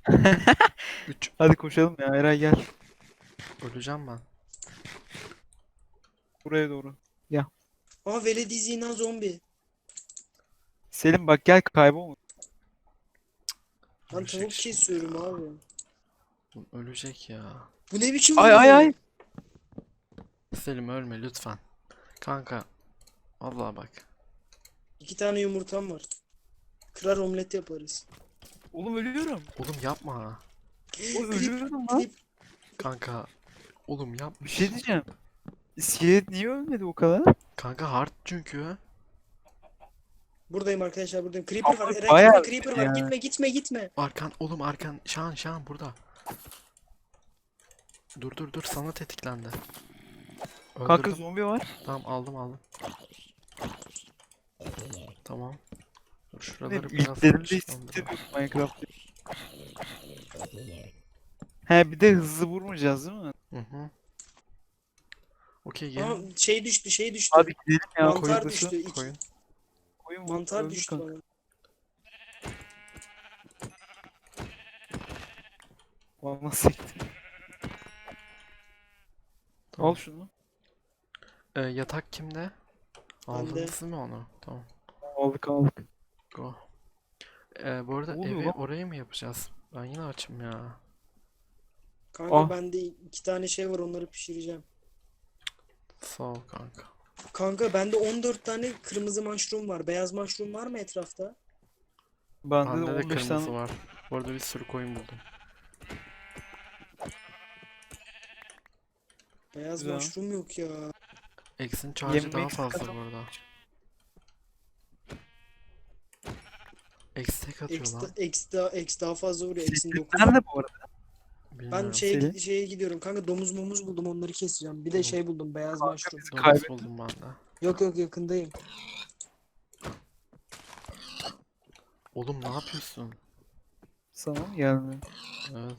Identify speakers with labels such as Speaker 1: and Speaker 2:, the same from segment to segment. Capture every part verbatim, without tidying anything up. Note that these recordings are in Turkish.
Speaker 1: üç.
Speaker 2: Hadi koşalım ya, Eray gel.
Speaker 1: Öleceğim ben.
Speaker 2: Buraya doğru. Ya.
Speaker 3: Aa veledi zina zombi.
Speaker 2: Selim bak gel, kaybolma.
Speaker 3: Ben
Speaker 1: Ölecek
Speaker 3: tavuk
Speaker 1: şimdi
Speaker 3: kesiyorum
Speaker 1: ya.
Speaker 3: abi.
Speaker 1: Oğlum ölecek ya.
Speaker 3: Bu ne biçim
Speaker 2: Ay ay ay.
Speaker 3: vuruyor?
Speaker 1: Selim ölme lütfen. Kanka. Vallahi bak.
Speaker 3: İki tane yumurtam var. Kırar omlet yaparız.
Speaker 2: Oğlum ölüyorum.
Speaker 1: Oğlum yapma.
Speaker 2: Oğlum
Speaker 3: Klip,
Speaker 2: ölüyorum lan.
Speaker 3: klip.
Speaker 1: Kanka. Oğlum
Speaker 2: Bir
Speaker 1: yapmış.
Speaker 2: şey diyeceğim. İskelet niye ölmedi o kadar?
Speaker 1: Kanka hard çünkü.
Speaker 3: Buradayım arkadaşlar, buradayım. Creeper var.
Speaker 2: Ama
Speaker 3: Eren
Speaker 2: bayağı
Speaker 3: gitme, Creeper
Speaker 2: ölmedi
Speaker 3: var.
Speaker 2: ya.
Speaker 3: Gitme, gitme, gitme.
Speaker 1: Arkan oğlum arkan. Şan şan burada. Dur dur dur sana tetiklendi.
Speaker 2: Kanka
Speaker 1: Öldürdüm.
Speaker 2: zombi var.
Speaker 1: Tamam aldım aldım. Tamam. Dur
Speaker 2: Ne
Speaker 1: şuraları biraz
Speaker 2: ilklerinde
Speaker 1: açıklandıralım.
Speaker 2: hissediyorum Minecraft. He bir de hızlı vurmayacağız değil mi?
Speaker 1: Hı hı. Okey
Speaker 3: Aa,
Speaker 1: gelin.
Speaker 3: şey düştü, şey düştü.
Speaker 2: Hadi gidelim ya.
Speaker 3: Mantar
Speaker 2: koyun
Speaker 3: düştü.
Speaker 2: dışı.
Speaker 3: İki,
Speaker 1: Koyun.
Speaker 2: Koyun vur,
Speaker 3: mantar
Speaker 2: öldür
Speaker 3: düştü
Speaker 2: kanka.
Speaker 3: bana.
Speaker 2: Vallahi sekti.
Speaker 1: Tamam.
Speaker 2: Al şunu.
Speaker 1: Ee, yatak kimde?
Speaker 3: Bende.
Speaker 1: Aldınız mı onu? Tamam.
Speaker 2: Aldık aldık.
Speaker 1: Go. Ee, bu arada
Speaker 2: Ne oluyor
Speaker 1: evi
Speaker 2: lan?
Speaker 1: oraya mı yapacağız? Ben yine açım ya.
Speaker 3: Kanka
Speaker 2: Ah.
Speaker 3: bende iki tane şey var, onları pişireceğim.
Speaker 1: Sağ ol kanka.
Speaker 3: Kanka bende on dört tane kırmızı mushroom var. Beyaz mushroom var mı etrafta?
Speaker 2: Bende de
Speaker 1: Bende de
Speaker 2: on beş
Speaker 1: kırmızı
Speaker 2: tane.
Speaker 1: var. Bu arada bir sürü koyun buldum.
Speaker 3: Beyaz
Speaker 2: Güzel.
Speaker 3: mushroom yok ya.
Speaker 1: X'in charge'ı
Speaker 2: Yemek
Speaker 1: daha fazla
Speaker 2: sıkıntı.
Speaker 1: bu arada. X tek atıyor
Speaker 3: X,
Speaker 1: lan.
Speaker 3: X, daha, X daha fazla vuruyor. X'in dokuz.
Speaker 2: Nerede bu arada?
Speaker 3: Ben
Speaker 1: Bilmiyorum.
Speaker 3: şeye,
Speaker 2: Selim.
Speaker 3: gid- şeye gidiyorum kanka, domuz mumuz buldum, onları keseceğim. Bir de
Speaker 1: Oğlum.
Speaker 3: şey buldum, beyaz
Speaker 2: Kanka
Speaker 3: mushroom.
Speaker 2: bizi
Speaker 1: Domuz
Speaker 2: kaybettin.
Speaker 1: buldum ben de.
Speaker 3: Yok yok, yakındayım.
Speaker 1: Oğlum ne yapıyorsun?
Speaker 2: Sana mı geldi?
Speaker 1: Evet.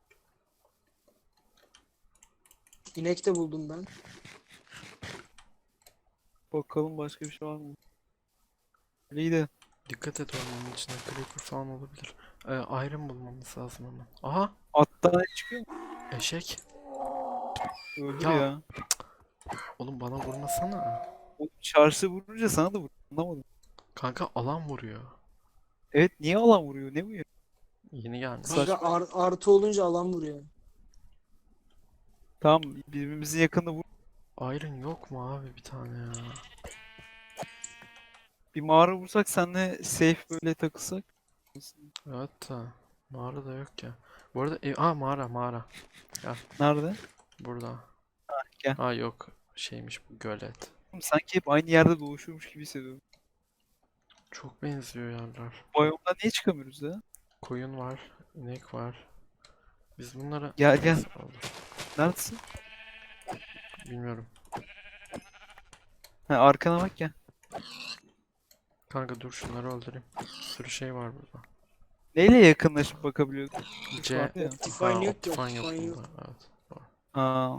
Speaker 3: İnek de buldum ben.
Speaker 2: Bakalım başka bir şey var mı? İyi de.
Speaker 1: Dikkat et ormanın içinde creeper falan olabilir. Ee, iron bulmamız lazım hemen. Aha!
Speaker 2: Attan ne çıkıyor mu?
Speaker 1: Eşek.
Speaker 2: Öldür
Speaker 1: Ya.
Speaker 2: ya.
Speaker 1: Oğlum bana vurmasana.
Speaker 2: O çarşı vurunca sana da vur. Anlamadım.
Speaker 1: Kanka alan vuruyor.
Speaker 2: Evet niye alan vuruyor? Ne bu ya?
Speaker 1: Yeni gelmiş.
Speaker 2: Saçma.
Speaker 3: Kanka ar- artı olunca alan vuruyor.
Speaker 2: Tamam birbirimizin yakında vur.
Speaker 1: Iron yok mu abi bir tane ya?
Speaker 2: Bir mağara vursak senle safe böyle takılsak.
Speaker 1: Evet da mağara da yok ya. Bu arada ev... Aa mağara mağara.
Speaker 2: Nerede?
Speaker 1: Burada.
Speaker 2: Gel.
Speaker 1: Aa yok. Şeymiş bu gölet.
Speaker 2: Oğlum, sanki hep aynı yerde dolaşıyormuş gibi hissediyorum.
Speaker 1: Çok benziyor yerler.
Speaker 2: Bu biyomdan niye çıkamıyoruz ya?
Speaker 1: Koyun var. İnek var. Biz bunlara...
Speaker 2: Gel, gel.
Speaker 1: Neyse, oldu.
Speaker 2: Neredesin?
Speaker 1: Bilmiyorum.
Speaker 2: Ha arkana bak ya.
Speaker 1: Kanka dur şunları öldüreyim. Bir sürü şey var burada.
Speaker 2: Neyle yakınlaşıp bakabiliyordun? Kuş
Speaker 1: C...
Speaker 2: vardı ya.
Speaker 3: Optifine
Speaker 1: Ha,
Speaker 3: yok ki,
Speaker 1: Optifine yok
Speaker 3: Optifine yok.
Speaker 1: bunda. Evet. Doğru.
Speaker 2: Aa.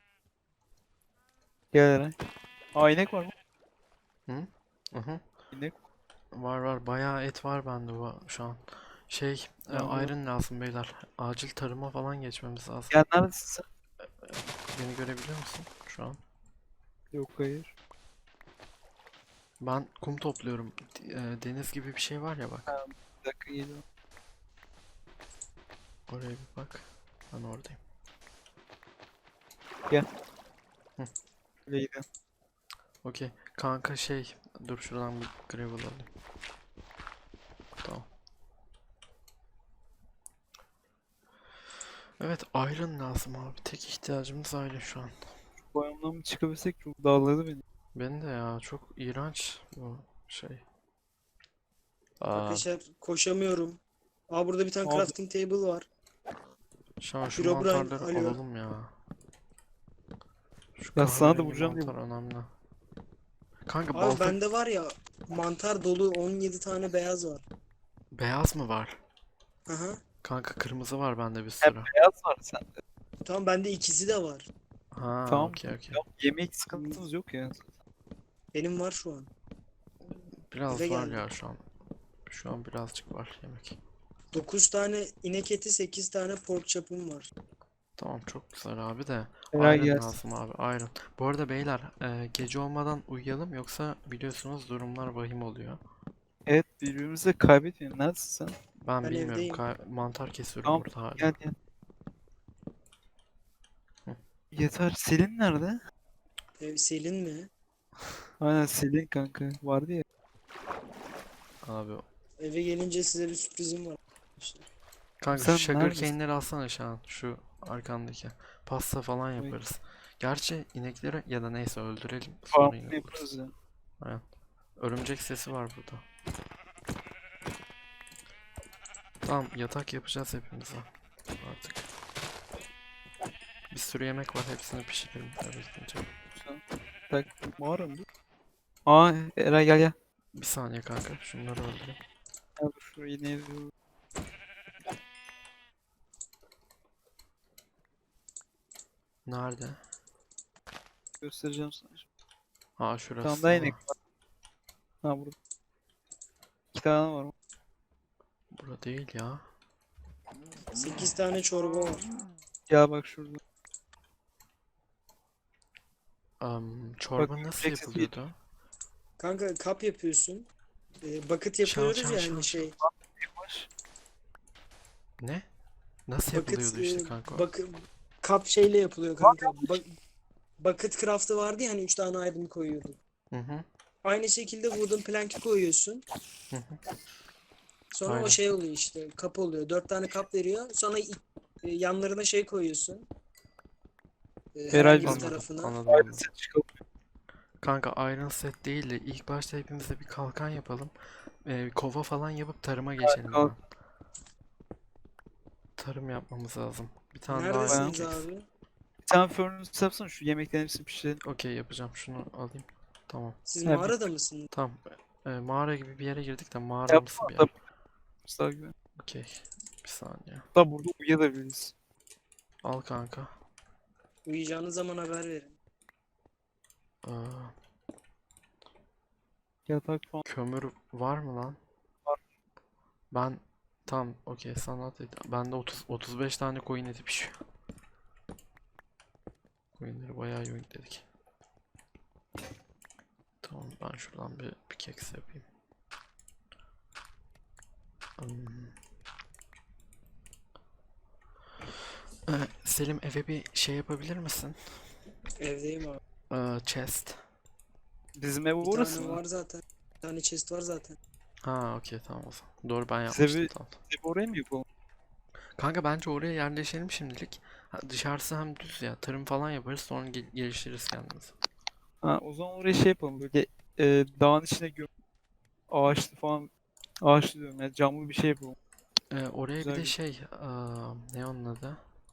Speaker 2: Gel Eray. Aa inek var mı?
Speaker 1: Hı? Hı hı.
Speaker 2: İnek.
Speaker 1: Var var. Bayağı et var bende bu şu an. Şey, e,
Speaker 2: Tamam.
Speaker 1: iron lazım beyler. Acil tarıma falan geçmemiz lazım.
Speaker 2: Gel neredesin sen?
Speaker 1: Beni görebiliyor musun şu an?
Speaker 2: Yok hayır.
Speaker 1: Ben kum topluyorum. D- e, Deniz gibi bir şey var ya bak.
Speaker 2: Bir dakika geliyorum.
Speaker 1: Oraya bir bak. Ben oradayım.
Speaker 2: Öyle gidelim.
Speaker 1: Okey. Kanka şey. Dur şuradan bir gravel alayım. Tamam. Evet iron lazım abi. Tek ihtiyacımız iron şu an.
Speaker 2: Bu biyomdan bir çıkabilsek çok dağladı beni.
Speaker 1: Ben de ya çok iğrenç bu şey. Aa,
Speaker 3: Arkadaşlar koşamıyorum. Aa burada bir tane
Speaker 2: Abi.
Speaker 3: crafting table var.
Speaker 1: şu an şu
Speaker 3: Herobrine
Speaker 1: mantarları
Speaker 3: alıyor.
Speaker 1: alalım ya. Şu
Speaker 2: Ya sana da
Speaker 1: kahverengi
Speaker 2: vuracağım diye
Speaker 1: mantar önemli. Kanka
Speaker 3: Abi
Speaker 1: balta
Speaker 3: bende var ya, mantar dolu on yedi tane beyaz var.
Speaker 1: beyaz mı var?
Speaker 3: Aha.
Speaker 1: Kanka kırmızı var bende bir
Speaker 2: Hep
Speaker 1: sürü.
Speaker 2: beyaz var sende.
Speaker 3: Tamam, bende ikisi de var.
Speaker 1: Ha,
Speaker 2: Tamam.
Speaker 1: okey okey.
Speaker 2: Tamam, yemek sıkıntımız yok ya.
Speaker 3: Benim var şu an.
Speaker 1: Biraz
Speaker 3: Eve
Speaker 1: var
Speaker 3: geldim.
Speaker 1: ya şu an. Şu an birazcık var yemek.
Speaker 3: dokuz tane inek eti, sekiz tane pork chop'um var.
Speaker 1: Tamam çok güzel abi de.
Speaker 2: Eray
Speaker 1: Iron
Speaker 2: gelsin.
Speaker 1: lazım abi, iron. Bu arada beyler, e, gece olmadan uyuyalım yoksa biliyorsunuz durumlar vahim oluyor.
Speaker 2: Evet, birbirimizi kaybetmeyelim. Neredesin sen?
Speaker 1: Ben
Speaker 3: Ben
Speaker 1: bilmiyorum,
Speaker 3: evdeyim.
Speaker 1: kay- mantar kesiyorum
Speaker 2: Tamam,
Speaker 1: burada hala.
Speaker 2: gel gel.
Speaker 1: Hı.
Speaker 2: Yeter. Selin nerede?
Speaker 3: Ev Selin mi?
Speaker 2: Aynen Selin kanka. Vardı ya.
Speaker 1: Abi
Speaker 3: Eve gelince size bir sürprizim var. İşte.
Speaker 1: kanka
Speaker 2: Sen
Speaker 1: şu sugar
Speaker 2: neredesin?
Speaker 1: cane'leri alsana şu an, şu arkandaki. Pasta falan
Speaker 2: Oy.
Speaker 1: yaparız. Gerçi inekleri ya da neyse öldürelim sonra
Speaker 2: Farm
Speaker 1: yine buluruz.
Speaker 2: yaparız ya.
Speaker 1: Aynen. Örümcek sesi var burada. Tamam, yatak yapacağız hepimize artık. Bir sürü yemek var, hepsini pişirelim eve gidince.
Speaker 2: Güzel. Tak. Mağara mı bu? Aa, Eray gel gel.
Speaker 1: Bir saniye kanka, şunları öldüreyim.
Speaker 2: Gel dur şurayı yine yazıyorum.
Speaker 1: Nerede?
Speaker 2: Göstereceğim sana şimdi.
Speaker 1: Ha
Speaker 2: Bir
Speaker 1: şurası.
Speaker 2: tane daha inek
Speaker 1: Tamam.
Speaker 2: var. Ha burada. İki tane var.
Speaker 1: Bura değil ya.
Speaker 3: sekiz tane çorba var.
Speaker 2: Gel bak şurada.
Speaker 1: Am, çorba
Speaker 2: Bak,
Speaker 1: nasıl
Speaker 2: Brexit
Speaker 1: yapılıyordu?
Speaker 3: Kanka kap yapıyorsun. Ee, bucket
Speaker 1: Şan,
Speaker 3: yapıyoruz
Speaker 1: şan,
Speaker 3: ya
Speaker 1: şan,
Speaker 3: hani şey.
Speaker 2: Yavaş.
Speaker 1: Ne? Nasıl
Speaker 3: Bucket,
Speaker 1: yapılıyordu işte
Speaker 3: e,
Speaker 1: kanka o?
Speaker 3: bak, kap şeyle yapılıyor kanka. Ba- bucket craft'ı vardı ya hani üç tane iron koyuyorduk.
Speaker 1: Hı hı.
Speaker 3: Aynı şekilde wooden plank'i koyuyorsun.
Speaker 1: Hı hı.
Speaker 3: Sonra
Speaker 1: Aynen.
Speaker 3: o şey oluyor işte. Kap oluyor. Dört tane kap veriyor. Sonra i- e, yanlarına şey koyuyorsun. E, herhangi bir
Speaker 2: Anladım,
Speaker 1: Anladım,
Speaker 3: tarafına.
Speaker 1: anladım,
Speaker 2: Ayrı
Speaker 1: anladım.
Speaker 2: set çıkalım.
Speaker 1: Kanka iron set değil de ilk başta hepimize bir kalkan yapalım. Ee, kova falan yapıp tarıma geçelim
Speaker 2: kalk.
Speaker 1: hemen. Tarım yapmamız lazım. Bir tane daha iron
Speaker 3: Neredesiniz
Speaker 1: cake.
Speaker 3: abi?
Speaker 2: Bir tane furnace yapsana şu yemeklerin hepsini pişirelim.
Speaker 1: Okey, yapacağım, şunu alayım. Tamam.
Speaker 3: Siz
Speaker 2: Ha, bir-
Speaker 3: mağarada mısınız?
Speaker 1: Tamam. Ee, mağara gibi bir yere girdik de mağaramsı
Speaker 2: Yapsana
Speaker 1: bir
Speaker 2: da
Speaker 1: yer.
Speaker 2: daha güzel.
Speaker 1: Okey. Bir saniye.
Speaker 2: Hatta burada uyuyabiliriz.
Speaker 1: Al kanka.
Speaker 3: Uyuyacağınız zaman haber verin.
Speaker 1: Aa,
Speaker 2: Yatak falan
Speaker 1: kömür var mı lan?
Speaker 2: var.
Speaker 1: Ben tam okey, sanat et. Bende otuz otuz beş tane koyun eti pişiyor. Koyunları bayağı dedik. Tamam, ben şuradan bir pickaxe yapayım. Hmm. Ee, Selim, eve bir şey yapabilir misin?
Speaker 3: Evdeyim abi.
Speaker 1: Ee, chest.
Speaker 2: Bizim ev
Speaker 3: Bir
Speaker 2: orası
Speaker 3: tane
Speaker 2: mı?
Speaker 3: var zaten. Bir tane chest var zaten.
Speaker 1: Ha okey, tamam o zaman. Doğru, ben
Speaker 2: Bize
Speaker 1: yapmıştım,
Speaker 2: bir
Speaker 1: tamam.
Speaker 2: ev oraya mı yapalım?
Speaker 1: Kanka bence oraya yerleşelim şimdilik. Ha, dışarısı hem düz ya. Tarım falan yaparız, sonra gel- geliştiririz kendimizi.
Speaker 2: Ha, o zaman oraya şey yapalım böyle e, dağın içine göm ağaçlı falan ağaçlı diyorum yani camlı bir şey yapalım.
Speaker 1: Ee, oraya bir
Speaker 2: Güzel
Speaker 1: de
Speaker 2: bir
Speaker 1: şey, aa, ne onun adı?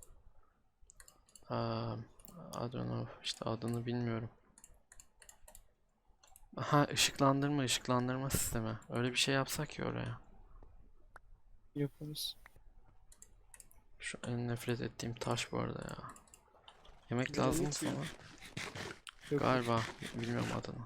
Speaker 1: Aa, I don't know, işte adını bilmiyorum. Ha, ışıklandırma ışıklandırma sistemi. Öyle bir şey yapsak ya oraya.
Speaker 2: yaparız.
Speaker 1: Şu en nefret ettiğim taş bu arada ya. Yemek lazım mı
Speaker 3: Dinamit mi?
Speaker 1: sana?
Speaker 2: Yok.
Speaker 1: Galiba, bilmiyorum adını.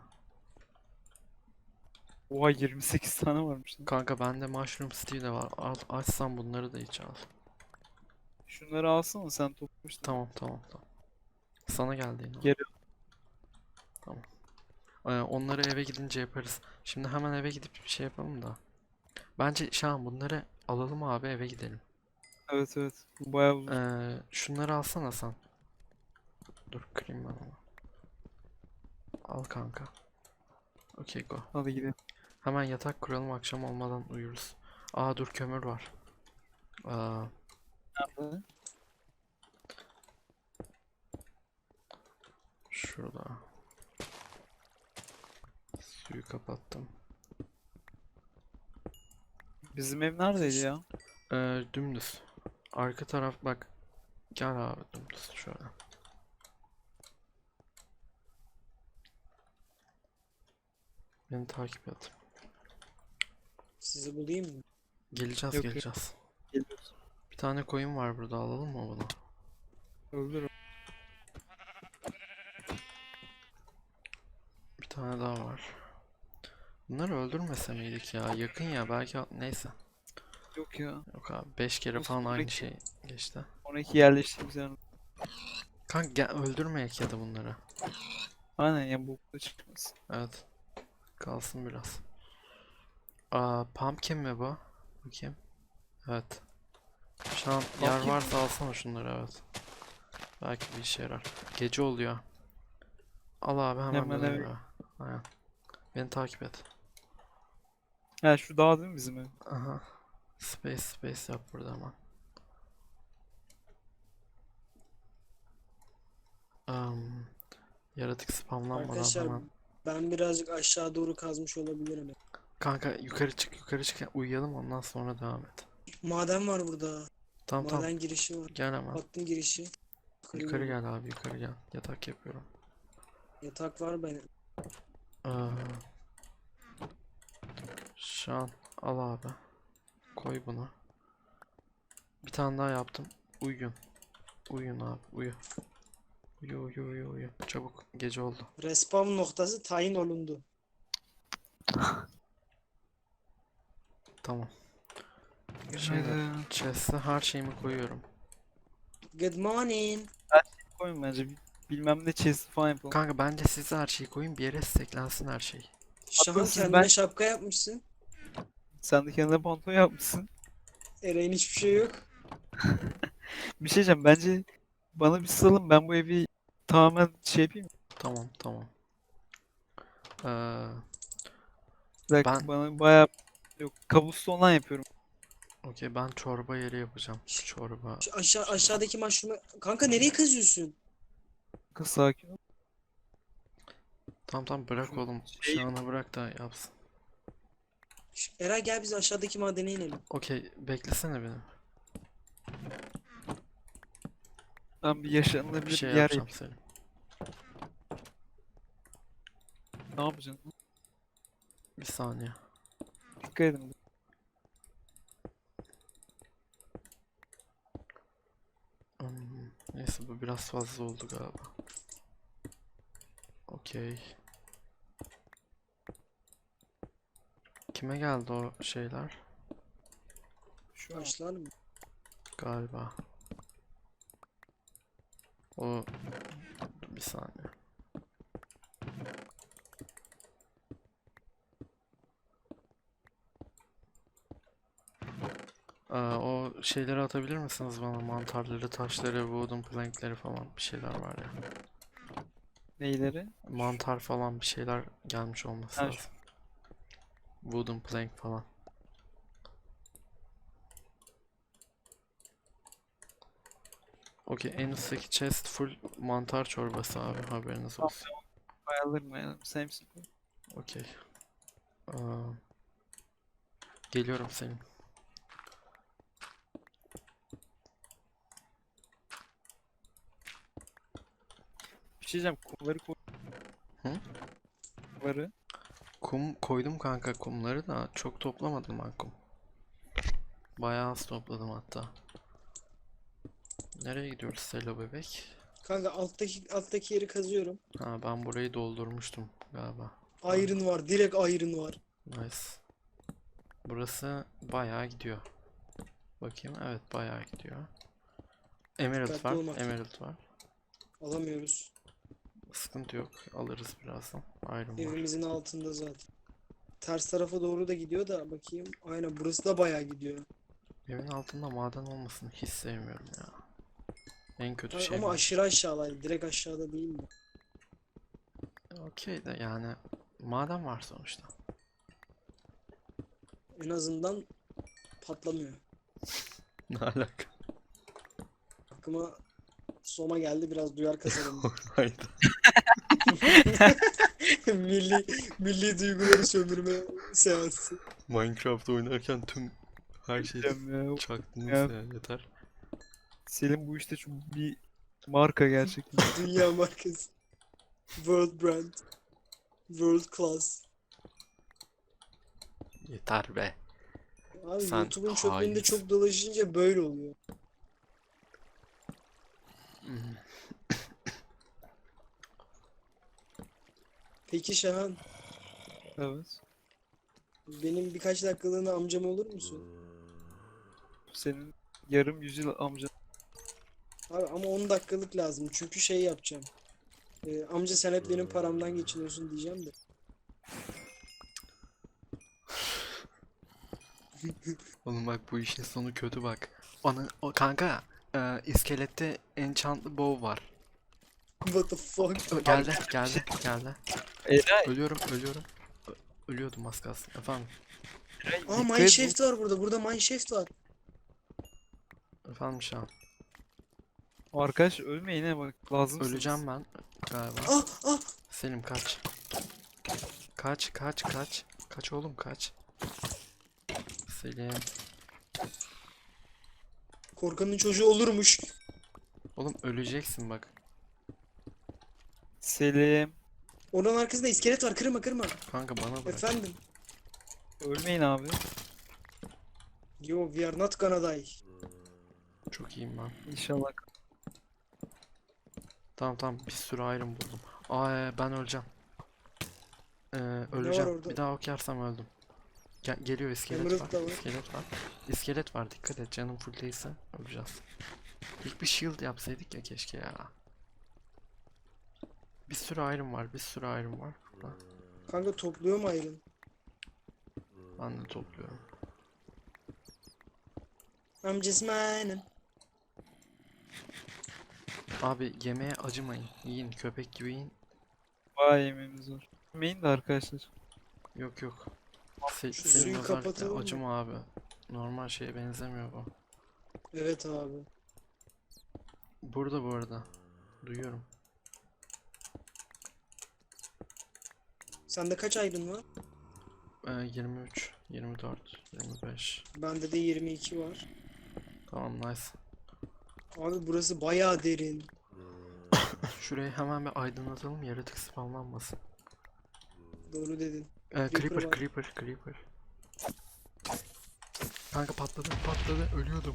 Speaker 2: Oha yirmi sekiz tane varmış lan.
Speaker 1: Kanka bende mushroom stew de var. Al, açsam bunları da hiç al.
Speaker 2: Şunları alsana sen toplamıştın.
Speaker 1: Tamam tamam tamam. Sana geldi yine.
Speaker 2: Geri
Speaker 1: Tamam. Ee, onları eve gidince yaparız. Şimdi hemen eve gidip bir şey yapalım da. Bence Şahan, bunları alalım abi, eve gidelim.
Speaker 2: evet evet. Bu bayağı uzun.
Speaker 1: Ee, şunları alsana sen. Dur, kırayım ben onu. Al kanka. Okey, go.
Speaker 2: Hadi gidelim.
Speaker 1: Hemen yatak kuralım, akşam olmadan uyuruz. Aa dur, kömür var. Aa,
Speaker 2: Nerede?
Speaker 1: şurada. Suyu kapattım.
Speaker 2: Bizim ev neredeydi ya?
Speaker 1: Ee, dümdüz. Arka taraf bak. Gel abi, dümdüz şöyle. Beni takip et.
Speaker 3: Sizi bulayım mı?
Speaker 1: Geleceğiz
Speaker 2: Yok, yok.
Speaker 1: geleceğiz.
Speaker 2: Geliyoruz.
Speaker 1: Bir tane koyun var burada, alalım mı bunu?
Speaker 2: Öldür.
Speaker 1: Bir tane daha var. Bunları öldürmese miydik ya? Yakın ya, belki neyse.
Speaker 2: Yok ya.
Speaker 1: Yok abi beş kere
Speaker 2: Olsun,
Speaker 1: falan aynı
Speaker 2: peki.
Speaker 1: şey geçti.
Speaker 2: Sonraki yerleştiğimiz yer.
Speaker 1: Kanka gel öldürmeyek ya da bunları.
Speaker 2: Aynen ya, bu da çıkmasın.
Speaker 1: Evet. Kalsın biraz. Aa, pumpkin mi bu? Bakayım. Evet. Şu an yer
Speaker 2: Pumpkin
Speaker 1: varsa alsana şunları, evet. Belki bir işe yarar. Gece oluyor. Al abi hemen
Speaker 2: Hemen
Speaker 1: dönelim
Speaker 2: evet.
Speaker 1: eve. Aynen. Beni takip et.
Speaker 2: Ha, şu dağ değil mi bizim ev?
Speaker 1: Aha. Space space yap burada hemen. Am, yaratık spamlanmadan
Speaker 3: Arkadaşlar
Speaker 1: hemen.
Speaker 3: ben birazcık aşağı doğru kazmış olabilirim.
Speaker 1: Kanka yukarı çık yukarı çık uyuyalım ondan sonra devam et.
Speaker 3: Maden var burada.
Speaker 1: Tamam tamam
Speaker 3: Maden girişi var.
Speaker 1: gel hemen.
Speaker 3: Baktım girişi. Yukarı
Speaker 1: Yukarı
Speaker 3: geliyor.
Speaker 1: gel abi yukarı gel. Yatak yapıyorum.
Speaker 3: Yatak var benim.
Speaker 1: Aa, şu an al abi. Koy bunu. Bir tane daha yaptım. Uyuyun. Uyuyun abi uyu. Uyu uyu uyu uyu. Çabuk gece oldu.
Speaker 3: Respawn noktası tayin olundu.
Speaker 1: Tamam. Şimdi
Speaker 2: Günaydın.
Speaker 1: chest'e her şeyimi koyuyorum.
Speaker 3: Good morning.
Speaker 2: Koyun bence. bir- Bilmem ne chest falan yapalım.
Speaker 1: Kanka bence siz de her şeyi koyun bir yere steklensin her şey.
Speaker 3: Şahan
Speaker 2: siz
Speaker 3: kendine
Speaker 2: ben-
Speaker 3: şapka yapmışsın.
Speaker 2: Sen de kendine pantolon yapmışsın.
Speaker 3: Ereğin hiçbir şey yok.
Speaker 2: Bir şey diyeceğim. Bence bana bir salın. Ben bu evi tamamen şey yapayım.
Speaker 1: Tamam tamam. Ee,
Speaker 2: Bir dakika,
Speaker 1: Ben-
Speaker 2: bana bayağı yok. Cobblestone'dan yapıyorum.
Speaker 1: okey ben çorba yeri yapacağım. Çorba.
Speaker 3: Şu aşağı aşağıdaki mushroom'u... Kanka nereye kazıyorsun?
Speaker 2: Kız sakin ol.
Speaker 1: Tamam tamam bırak
Speaker 2: Şu
Speaker 1: oğlum.
Speaker 2: şey-
Speaker 1: Şu ana bırak da yapsın.
Speaker 3: Şu- Eray gel biz aşağıdaki madene inelim.
Speaker 1: Okey beklesene beni.
Speaker 2: Ben bir
Speaker 1: Bir
Speaker 2: yaşanılabilir bir
Speaker 1: şey
Speaker 2: yer
Speaker 1: yapacağım
Speaker 2: yapayım.
Speaker 1: senin.
Speaker 2: Ne yapacaksın?
Speaker 1: Bir saniye.
Speaker 2: Dikkat edin.
Speaker 1: Hmm, neyse bu biraz fazla oldu galiba. Okey. Kime geldi o şeyler?
Speaker 2: Şu an
Speaker 3: Başlar mı?
Speaker 1: Galiba. O bir saniye. Aa, o şeyleri atabilir misiniz bana? Mantarları, taşları, wooden plankleri falan bir şeyler var ya.
Speaker 2: neyleri?
Speaker 1: Mantar falan bir şeyler gelmiş olması
Speaker 2: Ha, şu-
Speaker 1: lazım. Wooden plank falan. Okey en üstteki chest full mantar çorbası abi haberiniz olsun.
Speaker 2: Ayarlarım ayarlarım. Sen misin?
Speaker 1: Okey. Aa, geliyorum senin.
Speaker 2: Bir şey diyeceğim. Kumları koy.
Speaker 1: Hı?
Speaker 2: Kumları.
Speaker 1: Kum koydum kanka kumları da çok toplamadım ben kum. Bayağı az topladım hatta. Nereye gidiyoruz Selo bebek?
Speaker 3: Kanka alttaki alttaki yeri kazıyorum.
Speaker 1: Ha ben burayı doldurmuştum galiba.
Speaker 3: Iron var. Direkt iron var.
Speaker 1: Nice. Burası bayağı gidiyor. Bakayım evet bayağı gidiyor. Emerald
Speaker 3: Dikkatli
Speaker 1: var.
Speaker 3: olmak.
Speaker 1: Emerald var.
Speaker 3: Alamıyoruz.
Speaker 1: Sıkıntı yok. Alırız birazdan. Iron var.
Speaker 3: Evimizin altında zaten. Ters tarafa doğru da gidiyor da bakayım. Aynen burası da bayağı gidiyor.
Speaker 1: Evin altında maden olmasını hiç sevmiyorum ya. En kötü
Speaker 3: Ay,
Speaker 1: şey
Speaker 3: ama
Speaker 1: bu.
Speaker 3: aşırı aşağıdaydı. Direkt aşağıda değil mi?
Speaker 1: Okey de yani maden var sonuçta.
Speaker 3: En azından patlamıyor.
Speaker 1: Ne alaka?
Speaker 3: Aklıma Soma geldi, biraz duyar kazanım.
Speaker 1: Hayda.
Speaker 3: milli milli duyguları sömürme seansı.
Speaker 1: Minecraft oynarken tüm her şeyi
Speaker 2: Diyeceğim ya.
Speaker 1: çaktınız
Speaker 2: Ya.
Speaker 1: ya yeter.
Speaker 2: Selim bu işte çok bir marka gerçekten.
Speaker 3: Dünya markası. World brand. World class.
Speaker 1: Yeter be.
Speaker 3: Abi
Speaker 1: Sen
Speaker 3: YouTube'un çöplüğünde
Speaker 1: hainsin.
Speaker 3: çok dolaşınca böyle oluyor.
Speaker 1: Hmm.
Speaker 3: Peki Şahan,
Speaker 2: Evet.
Speaker 3: benim birkaç dakikalığına amcam olur musun?
Speaker 2: Senin yarım yüzyıl amcan.
Speaker 3: Abi ama on dakikalık lazım. Çünkü şey yapacağım. Ee, amca sen hep benim paramdan geçiniyorsun diyeceğim de.
Speaker 1: Oğlum bak bu işin sonu kötü bak. Ana o kanka e, iskelette enchantlı bow var.
Speaker 3: What the fuck?
Speaker 1: Ö, geldi geldi geldi.
Speaker 2: Eray,
Speaker 1: Ölüyorum ölüyorum. Ö- Ölüyordum az kalsın. Efendim
Speaker 2: Eray
Speaker 3: Aa
Speaker 2: dikkat et.
Speaker 3: mineshaft var burada. Burada mineshaft var.
Speaker 1: efendim şu an.
Speaker 2: Bu arkadaş ölme yine bak lazımsınız.
Speaker 1: Öleceğim ben galiba.
Speaker 3: Ah ah.
Speaker 1: Selim kaç. Kaç kaç kaç. Kaç oğlum kaç. Selim.
Speaker 3: Korkanın çocuğu olurmuş.
Speaker 1: Oğlum öleceksin bak.
Speaker 2: Selim.
Speaker 3: Onun arkasında iskelet var. Kırma kırma.
Speaker 1: Kanka bana bırak.
Speaker 3: Efendim.
Speaker 2: Ölmeyin abi.
Speaker 3: Yo we are not gonna die.
Speaker 1: Çok iyiyim ben.
Speaker 2: İnşallah.
Speaker 1: Tamam tamam bir sürü iron buldum. Aa e, ben öleceğim. Ee, öleceğim.
Speaker 3: orada?
Speaker 1: Bir daha ok yersem öldüm. Ge- geliyor iskelet
Speaker 3: Emerald
Speaker 1: var.
Speaker 3: da var.
Speaker 1: İskelet var. İskelet var dikkat et canım full değilse öleceğiz. İlk bir shield yapsaydık ya keşke ya. Bir sürü iron var bir sürü iron var burada.
Speaker 3: Kanka topluyor mu iron?
Speaker 1: Ben de topluyorum.
Speaker 3: I'm just mining.
Speaker 1: Abi yemeğe acımayın. Yiyin köpek gibi yiyin.
Speaker 2: Vay yemeğimiz var. Ölmeyin de arkadaşlar.
Speaker 1: Yok yok. Se
Speaker 3: Şu
Speaker 1: senin
Speaker 3: suyu
Speaker 1: özellikle
Speaker 3: kapatalım mı?
Speaker 1: acıma abi. Normal şeye benzemiyor bu.
Speaker 3: Evet abi.
Speaker 1: Burada bu arada. Duyuyorum.
Speaker 3: Sende kaç iron var?
Speaker 1: Ee, yirmi üç, yirmi dört, yirmi beş.
Speaker 3: Bende de yirmi iki var.
Speaker 1: Tamam nice.
Speaker 3: Abi burası bayağı derin.
Speaker 1: Şurayı hemen bir aydınlatalım yaratık spamlanmasın.
Speaker 3: Doğru dedin.
Speaker 1: Ee,
Speaker 3: Creeper
Speaker 1: creeper,
Speaker 3: var.
Speaker 1: creeper, creeper. Kanka patladı, patladı, ölüyordum.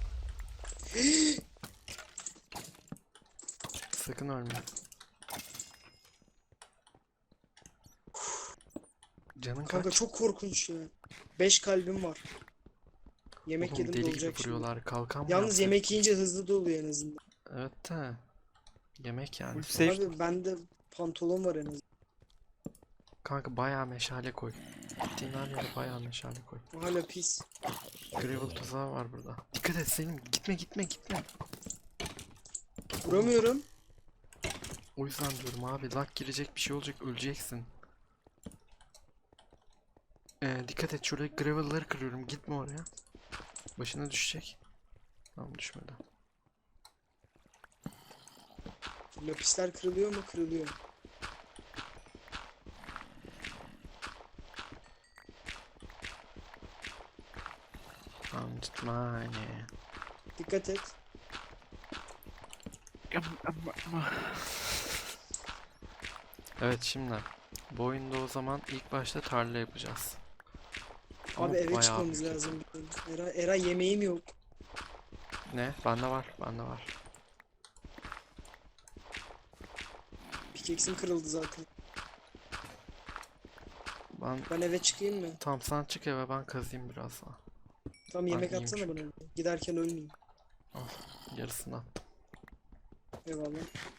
Speaker 1: Sakın ölme. Canın
Speaker 3: Kanka
Speaker 1: kaç?
Speaker 3: çok korkunç ya. beş kalbim var. Yemek
Speaker 1: Oğlum
Speaker 3: yedim
Speaker 1: deli gibi
Speaker 3: dolacak şimdi.
Speaker 1: vuruyorlar. Kalkan mı
Speaker 3: Yalnız
Speaker 1: yapsak?
Speaker 3: yemek yiyince hızlı doluyor en azından.
Speaker 1: Evet de. Yemek yani.
Speaker 2: Full
Speaker 1: sonuçta.
Speaker 2: safe.
Speaker 3: Abi bende pantolon var en azından.
Speaker 1: Kanka bayağı meşale koy. Gittiğin her yere bayağı meşale koy.
Speaker 3: Hala pis.
Speaker 1: Gravel tuzağı var burada. Dikkat et Selim. Gitme gitme gitme.
Speaker 3: Vuramıyorum.
Speaker 1: O yüzden diyorum abi. Lag girecek bir şey olacak. Öleceksin. Ee, dikkat et şuraya gravel'ları kırıyorum. Gitme oraya. Başına düşecek. Tamam düşmedi.
Speaker 3: Lapisler kırılıyor mu? Kırılıyor.
Speaker 1: Tamam gitme.
Speaker 3: Dikkat et.
Speaker 1: Evet şimdi. Bu oyunda o zaman ilk başta tarla yapacağız. Ama
Speaker 3: Abi eve
Speaker 1: bayağı
Speaker 3: çıkmamız
Speaker 1: büyük.
Speaker 3: lazım. Eray, Eray yemeğim yok.
Speaker 1: Ne? Bende var. Bende var.
Speaker 3: Pickaxe'im kırıldı zaten.
Speaker 1: Ben
Speaker 3: Ben eve çıkayım mı?
Speaker 1: tam sen çık eve ben kazıyım biraz daha.
Speaker 3: Tam
Speaker 1: Ben
Speaker 3: yemek
Speaker 1: iyiyim
Speaker 3: atsana
Speaker 1: çünkü.
Speaker 3: bana. Giderken ölmeyeyim.
Speaker 1: Yarısını attım.
Speaker 3: Eyvallah.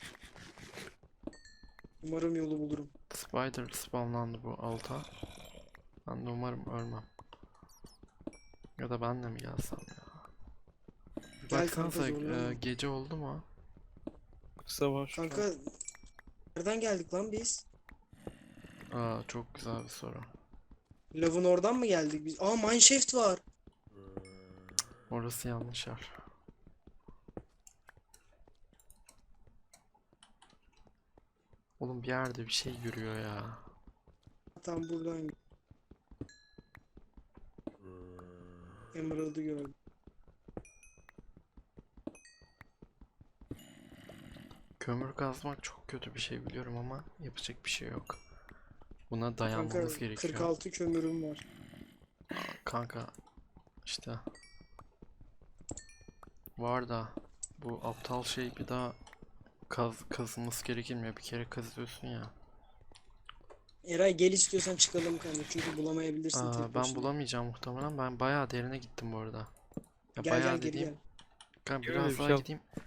Speaker 3: Umarım yolu bulurum.
Speaker 1: Spider spawnlandı bu alta. Ben de umarım ölmem. Ya da ben de mi gelsem ya? Bir
Speaker 3: Gel kanka,
Speaker 1: baksanıza
Speaker 3: zorlama.
Speaker 1: e, gece oldu mu?
Speaker 2: Kısa var şu an.
Speaker 3: Kanka nereden geldik lan biz?
Speaker 1: Aa, çok güzel bir soru.
Speaker 3: Lavın oradan mı geldik biz? Aa mineshaft var.
Speaker 1: Orası yanlış yer. Oğlum bir yerde bir şey yürüyor ya.
Speaker 3: Tam buradan. Emerald'ı gördüm.
Speaker 1: Kömür kazmak çok kötü bir şey biliyorum ama yapacak bir şey yok. Buna
Speaker 3: Kanka
Speaker 1: dayanmamız gerekiyor.
Speaker 3: kırk altı kömürüm var.
Speaker 1: Kanka işte var da bu aptal şey bir daha kaz kazılması gerekmiyor. Bir kere kazıyorsun ya.
Speaker 3: Eray gel istiyorsan çıkalım kanka çünkü bulamayabilirsin
Speaker 1: Aa,
Speaker 3: tek
Speaker 1: ben
Speaker 3: başına.
Speaker 1: bulamayacağım muhtemelen. Ben bayağı derine gittim bu arada. Ya
Speaker 3: Gel
Speaker 1: bayağı
Speaker 3: gel geri
Speaker 1: dediğim.
Speaker 3: gel.
Speaker 1: Kanka
Speaker 2: Öyle
Speaker 1: biraz
Speaker 2: bir
Speaker 1: daha
Speaker 2: şey al.
Speaker 1: gideyim.